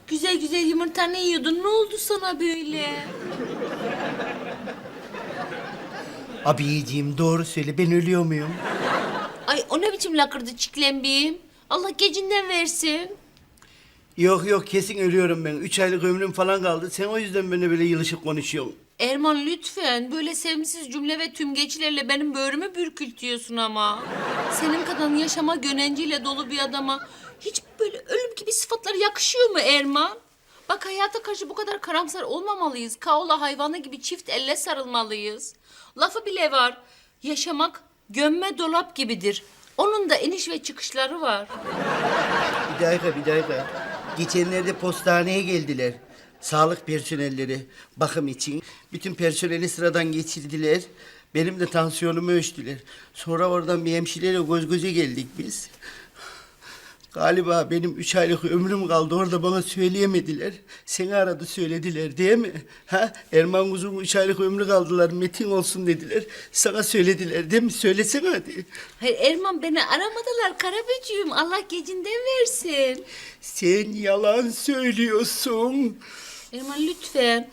Güzel güzel yumurtanı yiyordun. Ne oldu sana böyle? Abiciğim doğru söyle, ben ölüyor muyum? Ay o ne biçim lakırdı çiklembiyim? Allah gecinden versin. Yok yok, kesin ölüyorum ben. 3 aylık ömrüm falan kaldı. Sen o yüzden benimle böyle yılışık konuşuyorsun. Erman lütfen böyle sevimsiz cümle ve tümgeçlerle benim böğrümü bürkültüyorsun ama. Senin kadar yaşama gönenciyle dolu bir adama hiç böyle ölüm gibi sıfatlar yakışıyor mu Erman? Bak hayata karşı bu kadar karamsar olmamalıyız. Kaola hayvanı gibi çift elle sarılmalıyız. Lafı bile var. Yaşamak gömme dolap gibidir. Onun da iniş ve çıkışları var. Bir dakika, bir dakika. Geçenlerde postaneye geldiler. Sağlık personelleri bakım için. Bütün personeli sıradan geçirdiler. Benim de tansiyonumu ölçtüler. Sonra oradan bir hemşireyle göz göze geldik biz. Galiba benim 3 aylık ömrüm kaldı. Orada bana söyleyemediler. Seni aradı söylediler değil mi? Ha? Erman Kuzum 3 aylık ömrü kaldılar. Metin olsun dediler. Sana söylediler değil mi? Söylesene hadi. Hayır Erman beni aramadılar Karaböcüğüm. Allah gecinden versin. Sen yalan söylüyorsun. Erman lütfen.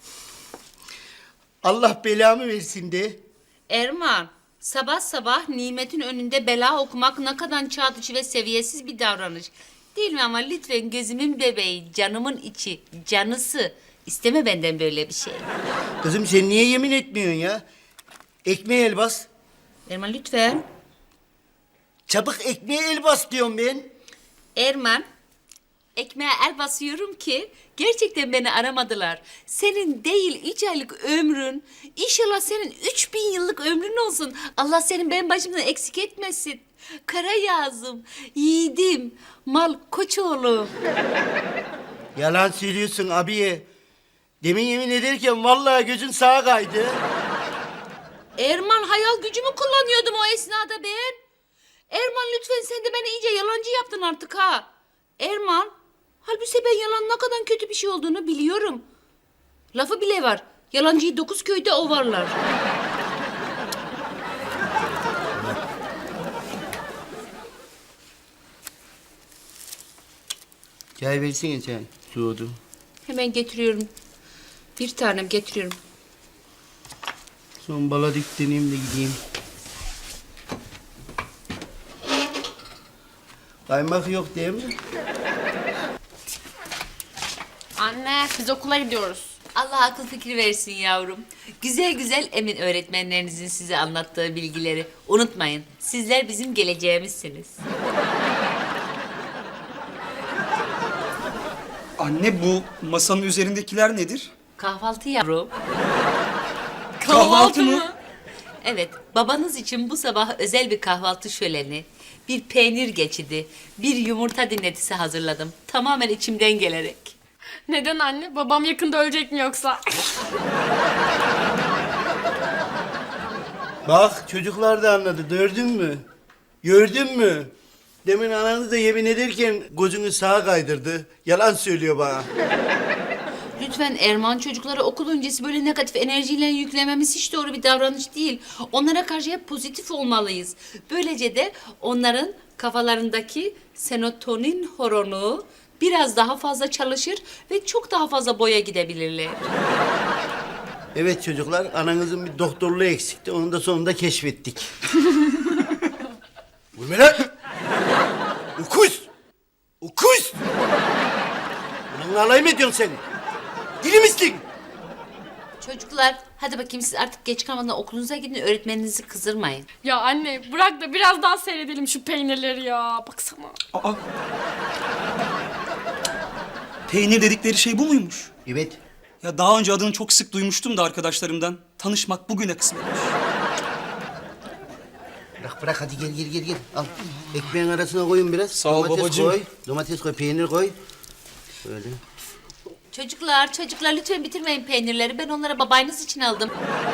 Allah belamı versin de. Erman, sabah sabah nimetin önünde bela okumak ne kadar çağ dışı ve seviyesiz bir davranış. Değil mi ama lütfen gözümün bebeği, canımın içi, canısı. İsteme benden böyle bir şey. Kızım sen niye yemin etmiyorsun ya? Ekmeğe el bas. Erman lütfen. Çabuk ekmeğe el bas diyorum ben. Erman, ekmeğe el basıyorum ki gerçekten beni aramadılar. Senin değil 3 aylık ömrün, inşallah senin 3000 yıllık ömrün olsun. Allah senin benim başımdan eksik etmesin. Kara yazım, yiğidim, mal koçoğlu. Yalan söylüyorsun abiye. Demin yemin ederken vallahi gözün sağa kaydı. Erman hayal gücümü kullanıyordum o esnada ben. Erman lütfen sen de beni iyice yalancı yaptın artık ha. Erman, halbuki ben yalan ne kadar kötü bir şey olduğunu biliyorum. Lafı bile var. Yalancıyı 9 köyde ovarlar. Çay versene çay. Soğudu. Hemen getiriyorum. Bir tanem getiriyorum. Son bala deneyeyim de gideyim. Kaymak yok değil mi? Anne biz okula gidiyoruz. Allah akıl fikir versin yavrum. Güzel güzel emin öğretmenlerinizin size anlattığı bilgileri unutmayın. Sizler bizim geleceğimizsiniz. Anne bu masanın üzerindekiler nedir? Kahvaltı yavrum. Kahvaltı mı? Evet, babanız için bu sabah özel bir kahvaltı şöleni, bir peynir geçidi, bir yumurta dinletisi hazırladım. Tamamen içimden gelerek. Neden anne? Babam yakında ölecek mi yoksa? Bak çocuklar da anladı. Gördün mü? Gördün mü? Demin ananız da yemin ederken gözünü sağa kaydırdı. Yalan söylüyor bana. Lütfen Erman çocuklara okul öncesi böyle negatif enerjiyle yüklememiz hiç doğru bir davranış değil. Onlara karşı hep pozitif olmalıyız. Böylece de onların kafalarındaki serotonin horonu biraz daha fazla çalışır ve çok daha fazla boya gidebilirler. Evet çocuklar, ananızın bir doktorluğu eksikti. Onu da sonunda keşfettik. Vurma lan! Ukuz! Ukuz! Bununla alay mı ediyorsun sen? Deli misin? Çocuklar hadi bakayım siz artık geç kalmadan okulunuza gidin, öğretmeninizi kızdırmayın. Ya anne bırak da biraz daha seyredelim şu peynirleri ya. Baksana. Aa. Peynir dedikleri şey bu muymuş? Evet. Ya daha önce adını çok sık duymuştum da arkadaşlarımdan. Tanışmak bugüne kısmetmiş. Bırak hadi gel. Al. Ekmeğin arasına koyun biraz. Sağ ol Domates babacığım. koy. Domates koy, peynir koy. Böyle. Çocuklar lütfen bitirmeyin peynirleri. Ben onlara babanız için aldım.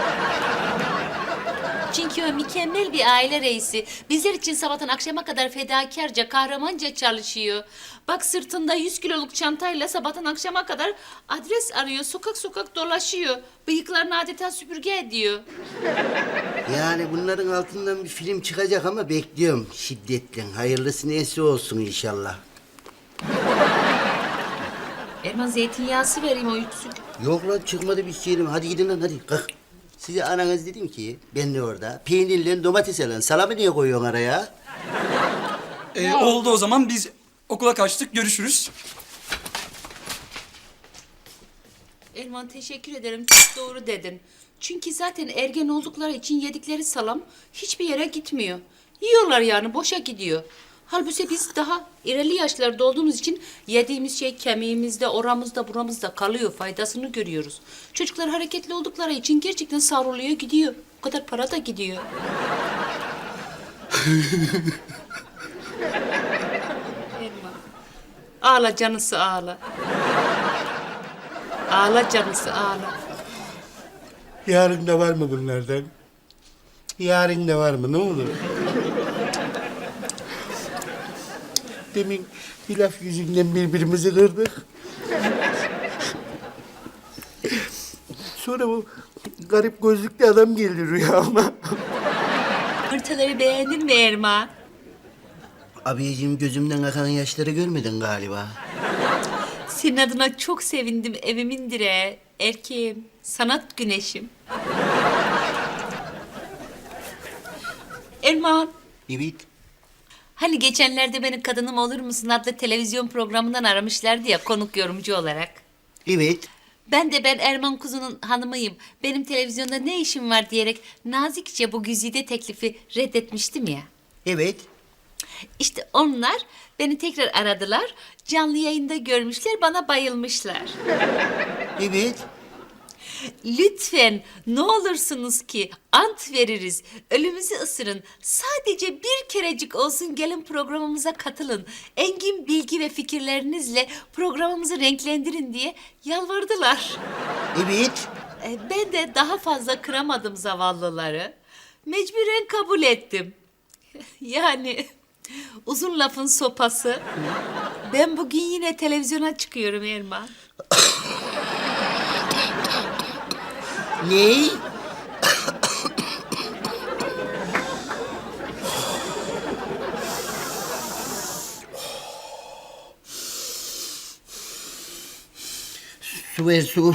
Çünkü o mükemmel bir aile reisi. Bizler için sabahtan akşama kadar fedakarca, kahramanca çalışıyor. Bak sırtında 100 kiloluk çantayla sabahtan akşama kadar adres arıyor. Sokak sokak dolaşıyor. Bıyıklarını adeta süpürge ediyor. Yani bunların altından bir film çıkacak ama bekliyorum şiddetle. Hayırlısı neyse olsun inşallah. Erman zeytinyağısı vereyim o yüksük. Yok lan çıkmadı bir şeyim. Hadi gidin lan hadi kalk. Size ananız dedim ki ben de orada peynirle domates alın. Salamı niye koyuyorsun araya? Oldu o zaman biz okula kaçtık. Görüşürüz. Erman teşekkür ederim. Çok doğru dedin. Çünkü zaten ergen oldukları için yedikleri salam hiçbir yere gitmiyor. Yiyorlar yani boşa gidiyor. Halbuki biz daha ileri yaşlarda olduğumuz için yediğimiz şey kemiğimizde, oramızda, buramızda kalıyor. Faydasını görüyoruz. Çocuklar hareketli oldukları için gerçekten savruluyor gidiyor. O kadar para da gidiyor. Erman. Ağla canısı ağla. Ağla canısı ağla. Yarın da var mı bunlardan? Yarın da var mı? Ne olur? Demin bir laf yüzünden birbirimizi kırdık. Sonra bu garip gözlüklü adam geldi rüyama. Yumurtaları beğendin mi Erman? Abiciğim gözümden akan yaşları görmedin galiba. Senin adına çok sevindim evimin direği. Erkeğim, sanat güneşim. Erman, Evet. hani geçenlerde beni Kadınım Olur Musun adlı televizyon programından aramışlardı ya konuk yorumcu olarak. Evet. Ben Erman Kuzu'nun hanımıyım. Benim televizyonda ne işim var diyerek nazikçe bu güzide teklifi reddetmiştim ya. Evet. İşte onlar beni tekrar aradılar. Canlı yayında görmüşler, bana bayılmışlar. Evet. Lütfen ne olursunuz ki ant veririz. Ölümüzü ısırın. Sadece bir kerecik olsun gelin programımıza katılın. Engin bilgi ve fikirlerinizle programımızı renklendirin diye yalvardılar. Evet. Ben de daha fazla kıramadım zavallıları. Mecburen kabul ettim. Yani uzun lafın sopası. Ben bugün yine televizyona çıkıyorum Erman. Ne? Su ver su.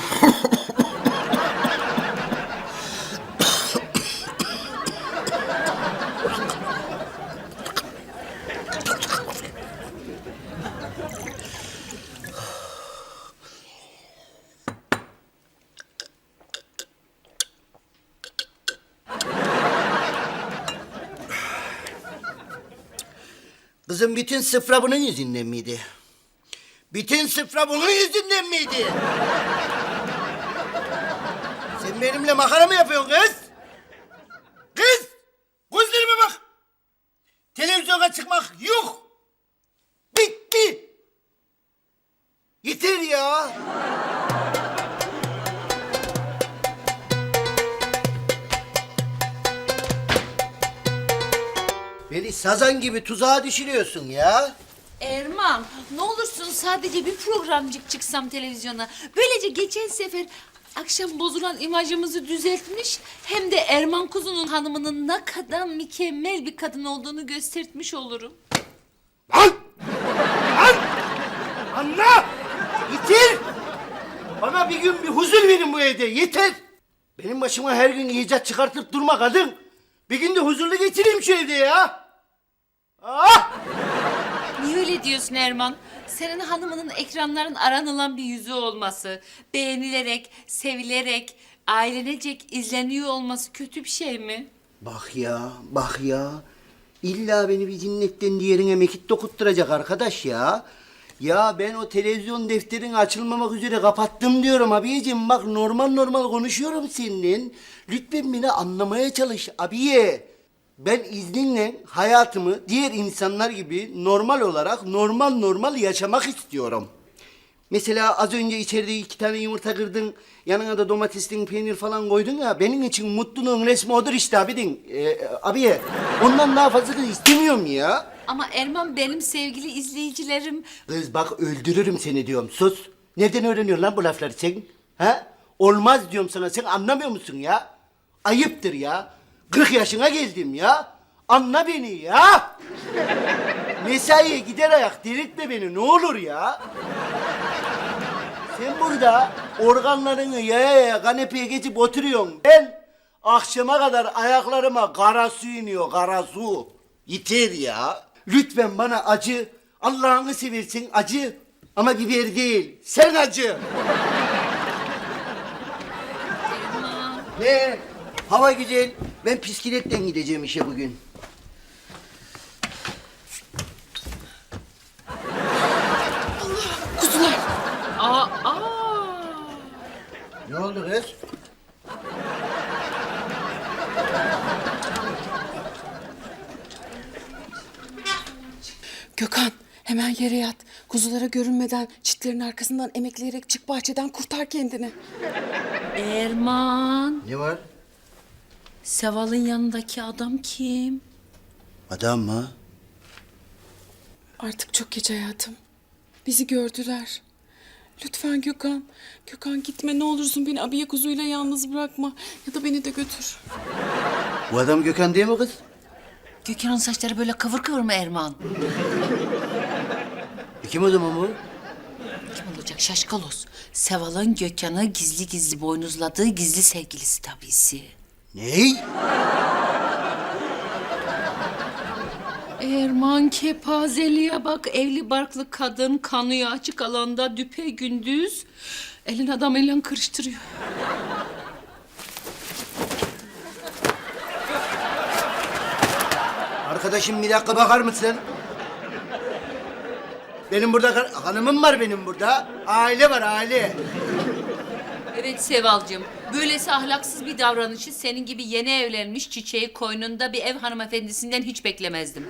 Kızım bütün sıfra bunun yüzünden miydi? Bütün sıfra bunun yüzünden miydi? Sen benimle makara mı yapıyorsun kız? Kız! Gözlerime bak! Televizyona çıkmak yok! Bitti! Yeter ya! Beni sazan gibi tuzağa düşürüyorsun ya. Erman, ne olursun sadece bir programcık çıksam televizyona. Böylece geçen sefer akşam bozulan imajımızı düzeltmiş... ...hem de Erman Kuzu'nun hanımının ne kadar mükemmel bir kadın olduğunu göstermiş olurum. Lan! Lan! Anla! Yeter! Bana bir gün bir huzur verin bu evde, yeter! Benim başıma her gün icat çıkartıp durma kadın. Bir gün de huzurlu geçireyim şu evde ya. Ah! Niye öyle diyorsun Erman? Senin hanımının ekranların aranılan bir yüzü olması, beğenilerek, sevilerek, ailenecek izleniyor olması kötü bir şey mi? Bak ya, bak ya. İlla beni bir cinnetten diğerine mekik dokutturacak arkadaş ya. Ya ben o televizyon defterini açılmamak üzere kapattım diyorum abiyeciğim. Bak normal konuşuyorum seninle. Lütfen beni anlamaya çalış abiye. Ben izninle hayatımı diğer insanlar gibi normal olarak normal yaşamak istiyorum. Mesela az önce içeride 2 tane yumurta kırdın, yanına da domatesli peynir falan koydun ya, benim için mutluluğun resmi odur işte abidin. Abiye, ondan daha fazlasını istemiyorum ya. Ama Erman benim sevgili izleyicilerim... Kız bak öldürürüm seni diyorum, sus. Nereden öğreniyorsun lan bu lafları sen? Ha? Olmaz diyorum sana, sen anlamıyor musun ya? Ayıptır ya. 40 yaşına geldim ya. Anla beni ya. Mesaiye gider ayak delirtme beni ne olur ya. Sen burada organlarını yaya yaya kanepeye geçip oturuyorsun. Ben akşama kadar ayaklarıma kara su iniyor, kara su. Yeter ya. Lütfen bana acı. Allah'ını seversin acı. Ama biber değil, sen acı. Ne? Hava güzel. Ben bisikletle gideceğim işe bugün. Aa. Ne oldu kız? Gökhan hemen yere yat. Kuzulara görünmeden çitlerin arkasından emekleyerek çık bahçeden kurtar kendini. Erman. Ne var? Seval'ın yanındaki adam kim? Adam mı? Artık çok geç hayatım. Bizi gördüler. Lütfen Gökhan. Gökhan gitme ne olursun beni abiye kuzuyla yalnız bırakma. Ya da beni de götür. Bu adam Gökhan değil mi kız? Gökhan'ın saçları böyle kıvır kıvır mı Erman? Kim o zaman bu? Kim olacak şaşkalos? Seval'ın Gökhan'ı gizli gizli boynuzladığı gizli sevgilisi tabisi. Ney? Erman kepazeliğe bak. Evli barklı kadın kanıyor açık alanda düpe gündüz. Elin adamıyla kırıştırıyor. Arkadaşım bir dakika bakar mısın? Benim burada hanımım var benim burada. Aile var aile. Evet Sevalcığım. Böylesi ahlaksız bir davranışı senin gibi yeni evlenmiş çiçeği koynunda bir ev hanımefendisinden hiç beklemezdim.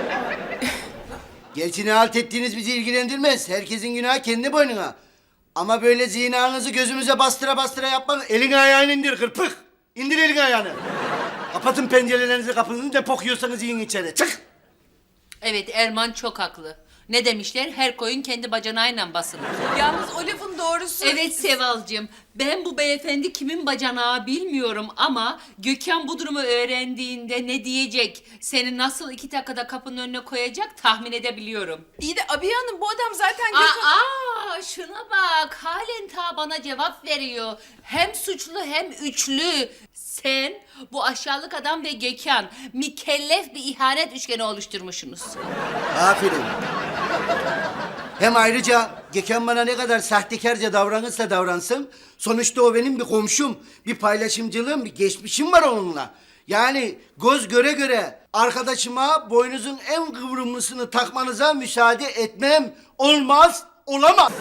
Gerçi ne halt ettiğiniz bizi ilgilendirmez. Herkesin günahı kendi boynuna. Ama böyle zinanızı gözümüze bastıra bastıra yapmak... Elini ayağını indir kırpık. İndir elini ayağını. Kapatın pencerelerinizi kapınızı ne pokuyorsanız yiyin içeri. Çık. Evet Erman çok haklı. Ne demişler? Her koyun kendi bacanağıyla basılır. Yalnız o lafın doğrusu. Evet Sevalcığım. Ben bu beyefendi kimin bacanağı bilmiyorum ama Gökhan bu durumu öğrendiğinde ne diyecek? Seni nasıl 2 dakikada kapının önüne koyacak tahmin edebiliyorum. İyi de abiye hanım bu adam zaten Şuna bak. Halen ta bana cevap veriyor. Hem suçlu hem üçlü. Sen bu aşağılık adam ve Gökhan mükellef bir ihanet üçgeni oluşturmuşsunuz. Aferin. Hem ayrıca Gökhan bana ne kadar sahtekarca davranırsa davransın... ...sonuçta o benim bir komşum, bir paylaşımcılığım, bir geçmişim var onunla. Yani göz göre göre arkadaşıma boynuzun en kıvrımlısını takmanıza müsaade etmem. Olmaz, olamaz.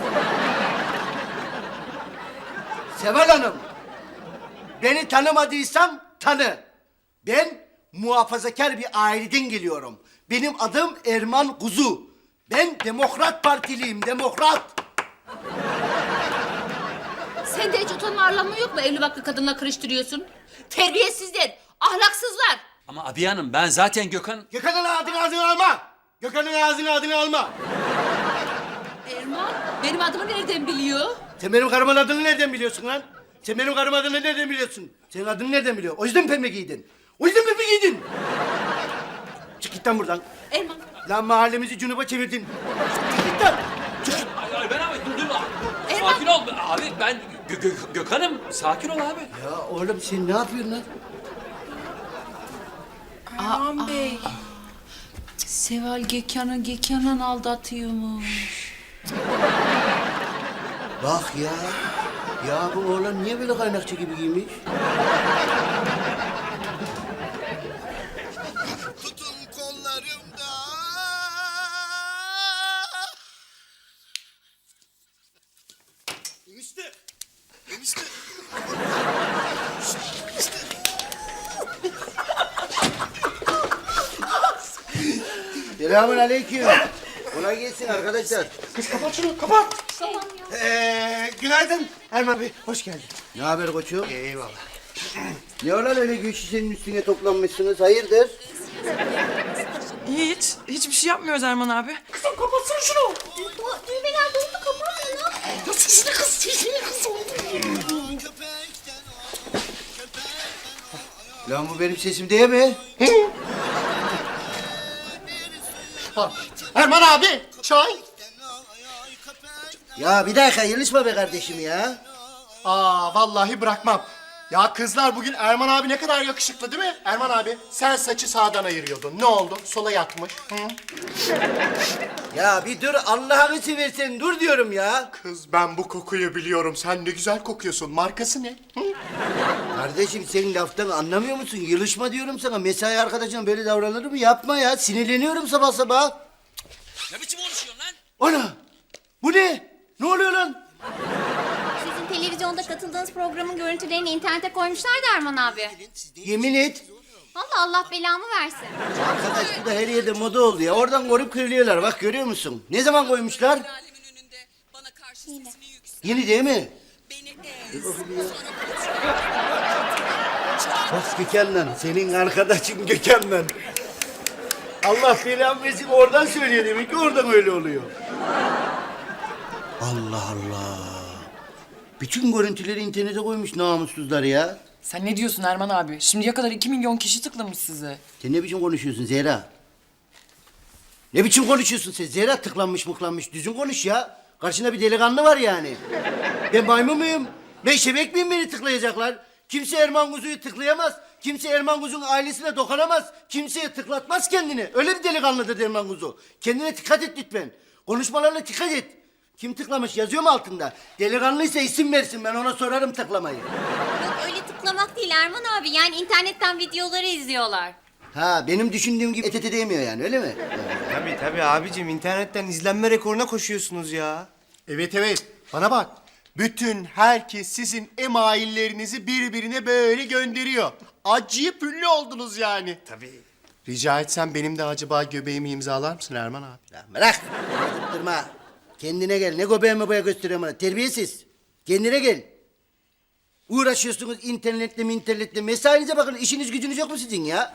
Seval Hanım, beni tanımadıysan tanı. Ben muhafazakar bir aileden geliyorum. Benim adım Erman Kuzu. Ben Demokrat Partiliyim, demokrat. Sende hiç utanma arlanma yok mu? Evli barklı kadınla karıştırıyorsun. Terbiyesizler, ahlaksızlar. Ama abi hanım ben zaten Gökhan... Gökhan'ın adını alma. Gökhan'ın adını alma. Erman, benim adımı nereden biliyor? Sen benim karımın adını nereden biliyorsun lan? Sen benim karımın adını nereden biliyorsun? Senin adını nereden biliyor? O yüzden pembe giydin. O yüzden pembe giydin. Çık git lan buradan. Erman, Lan mahallemizi cunuba çevirdin. Çık git lan. Çık. Ay ben abi dur. Erman. Sakin ol. Abi ben Gökhan'ım. Sakin ol abi. Ya oğlum sen ne yapıyorsun lan? Erman Bey. Seval Gökhan'ı aldatıyormuş. Bak ya. Ya bu oğlan niye böyle kaynakçı gibi giymiş? Tutun kollarımda. Enişte. Enişte. Selamun aleyküm. Kolay gelsin arkadaşlar. Kız kapat şunu kapat. Günaydın Erman Bey hoş geldin. Ne haber koçum? Eyvallah. Ne olan öyle güçlü senin üstüne toplanmışsınız? Hayırdır? Hiçbir şey yapmıyoruz Erman abi. Kızım kapatsana şunu. Düğmeler doldu kapat. Ya sesini kız sesini kız. Lan bu benim sesim değil mi? Erman abi çay. Ya bir dakika yılışma be kardeşim ya. Aa vallahi bırakmam. Ya kızlar bugün Erman abi ne kadar yakışıklı değil mi? Erman abi sen saçı sağdan ayırıyordun. Ne oldu? Sola yatmış. Hı? Ya bir dur Allah'ını seversen dur diyorum ya. Kız ben bu kokuyu biliyorum. Sen ne güzel kokuyorsun. Markası ne? Hı? Kardeşim sen laftan anlamıyor musun? Yılışma diyorum sana. Mesai arkadaşına böyle davranır mı? Yapma ya. Sinirleniyorum sabah sabah. Ne biçim konuşuyorsun lan? Ana! Bu ne? Ne oluyor lan? Sizin televizyonda katıldığınız programın görüntülerini internete koymuşlar da Erman abi. Yemin et. Vallahi Allah belamı versin. Arkadaş bu da her yerde moda oldu ya. Oradan korup kırılıyorlar. Bak görüyor musun? Ne zaman koymuşlar? Alemin önünde bana karşı sesini yüksel. Yeni değil mi? Beni ez. Bak Gökhan'la. Senin arkadaşın Gökhan'la. Allah belamı versin oradan söylüyor demek ki oradan öyle oluyor. Allah Allah. Bütün görüntüleri internete koymuş namussuzlar ya. Sen ne diyorsun Erman abi? Şimdiye kadar 2 milyon kişi tıklamış size. Sen ne biçim konuşuyorsun Zehra? Ne biçim konuşuyorsun sen? Zehra tıklanmış mıklanmış. Düzgün konuş ya. Karşında bir delikanlı var yani. Ben maymun muyum? Ben şebek miyim beni tıklayacaklar? Kimse Erman Kuzu'yu tıklayamaz. Kimse Erman Kuzu'nun ailesine dokunamaz. Kimseye tıklatmaz kendini. Öyle bir delikanlıdır Erman Kuzu. Kendine dikkat et lütfen. Konuşmalarına dikkat et. Kim tıklamış yazıyor mu altında? Delikanlıysa isim versin ben ona sorarım tıklamayı. Yok öyle tıklamak değil Erman abi. Yani internetten videoları izliyorlar. Ha benim düşündüğüm gibi ETT değmiyor yani öyle mi? Tabii abicim internetten izlenme rekoruna koşuyorsunuz ya. Evet evet. Bana bak. Bütün herkes sizin emaillerinizi birbirine böyle gönderiyor. Acayip ünlü oldunuz yani. Tabii. Rica etsem benim de acaba göbeğimi imzalar mısın Erman abi? Ya bırak. Durma. Kendine gel. Ne göbeğimi boya gösteriyorum bana. Terbiyesiz. Kendine gel. Uğraşıyorsunuz internetle. Mesainize bakın. İşiniz gücünüz yok mu sizin ya?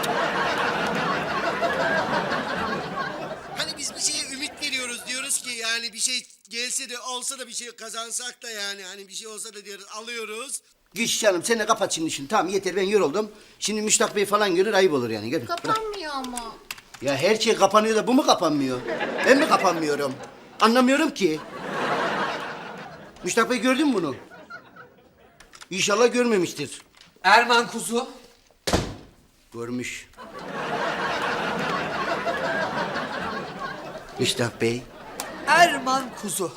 Hani biz bir şeye ümit veriyoruz. Diyoruz ki yani bir şey gelse de olsa da bir şey kazansak da yani. Hani bir şey olsa da diyoruz alıyoruz. Güç canım sen de kapat şimdi işini. Tamam yeter ben yoruldum. Şimdi Müştak Bey falan görür ayıp olur yani. Gel. Bırak. Kapanmıyor ama. Ya her şey kapanıyor da bu mu kapanmıyor? Ben mi kapanmıyorum? Anlamıyorum ki. Müştak Bey gördün mü bunu? İnşallah görmemiştir. Erman Kuzu. Görmüş. Müştak Bey. Erman Kuzu.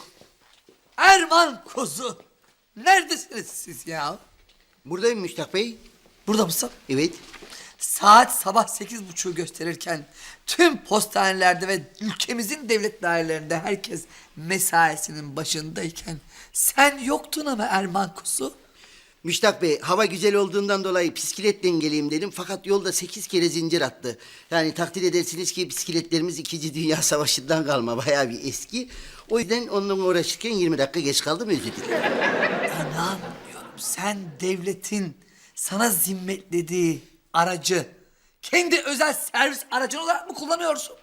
Erman Kuzu. Neredesiniz siz ya? Buradayım Müştak Bey. Burada mısın? Evet. Saat sabah 8.30'u gösterirken tüm postanelerde ve ülkemizin devlet dairelerinde herkes mesaisinin başındayken sen yoktun ama Erman Kuzu. Müştak Bey, hava güzel olduğundan dolayı bisikletle geleyim dedim. Fakat yolda 8 kere zincir attı. Yani takdir edersiniz ki bisikletlerimiz 2. Dünya Savaşı'ndan kalma. Bayağı bir eski. O yüzden onunla uğraşırken 20 dakika geç kaldım, özür dilerim. İnanmıyorum. Sen devletin sana zimmetlediği aracı kendi özel servis aracın olarak mı kullanıyorsun?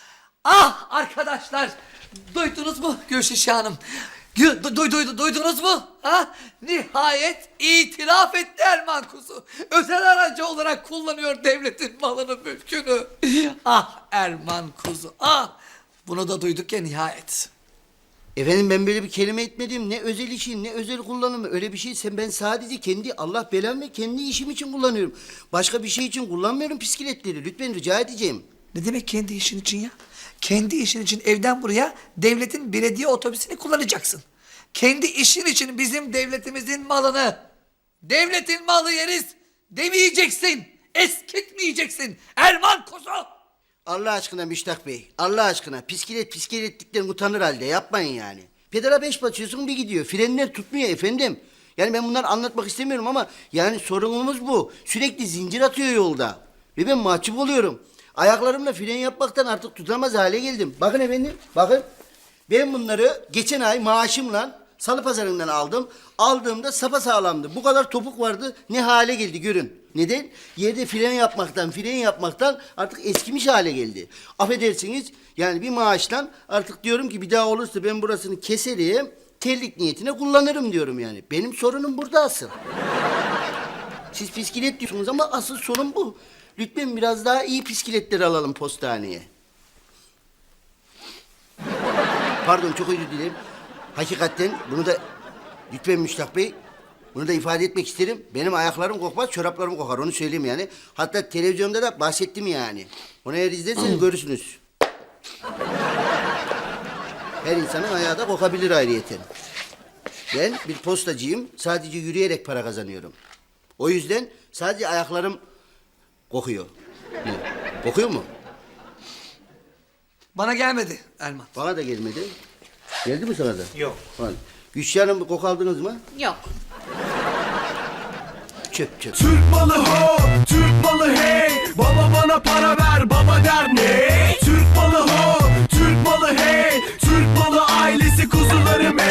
Ah arkadaşlar, duydunuz mu Gülşişe Hanım? Duydunuz mu? Ha? Nihayet itiraf etti Erman Kuzu. Özel aracı olarak kullanıyor devletin malını, mülkünü. Ah Erman Kuzu, ah! Bunu da duyduk ya nihayet. Efendim ben böyle bir kelime etmedim. Ne özel işin, ne özel kullanımı. Öyle bir şey. Ben sadece kendi Allah belamı ve kendi işim için kullanıyorum. Başka bir şey için kullanmıyorum bisikletleri. Lütfen rica edeceğim. Ne demek kendi işin için ya? Kendi işin için evden buraya devletin belediye otobüsünü kullanacaksın. Kendi işin için bizim devletimizin malını, devletin malı yeriz demeyeceksin. Eskitmeyeceksin. Erman Kuzu. Allah aşkına Müştak Bey. Allah aşkına. Bisikletlikten utanır halde. Yapmayın yani. Pedala 5 basıyorsun bir gidiyor. Frenler tutmuyor efendim. Yani ben bunları anlatmak istemiyorum ama yani sorunumuz bu. Sürekli zincir atıyor yolda. Ve ben mahcup oluyorum. Ayaklarımla fren yapmaktan artık tutamaz hale geldim. Bakın efendim, bakın. Ben bunları geçen ay maaşımla Salı Pazarı'ndan aldım. Aldığımda sapasağlamdı. Bu kadar topuk vardı. Ne hale geldi görün. Neden? Yerde fren yapmaktan artık eskimiş hale geldi. Affedersiniz yani bir maaştan artık diyorum ki bir daha olursa ben burasını keserim. Terlik niyetine kullanırım diyorum yani. Benim sorunum burada asıl. Siz bisiklet diyorsunuz ama asıl sorun bu. Lütfen biraz daha iyi bisikletleri alalım postaneye. Pardon çok özür dilerim. Hakikaten bunu da lütfen Müştak Bey, bunu da ifade etmek isterim. Benim ayaklarım kokmaz, çoraplarım kokar. Onu söyleyeyim yani. Hatta televizyonda da bahsettim yani. Onu eğer izlerseniz görürsünüz. Her insanın ayağı da kokabilir ayrıyeten. Ben bir postacıyım. Sadece yürüyerek para kazanıyorum. O yüzden sadece ayaklarım kokuyor. Ne? Kokuyor mu? Bana gelmedi Erman. Bana da gelmedi. Geldi mi sana da? Yok. Falan. Gülşah Hanım, koku aldınız mı? Yok. Çöp çöp. Türk malı ho, Türk malı hey. Baba bana para ver, baba der ne? Türk malı ho, Türk malı hey. Türk malı ailesi kuzularım.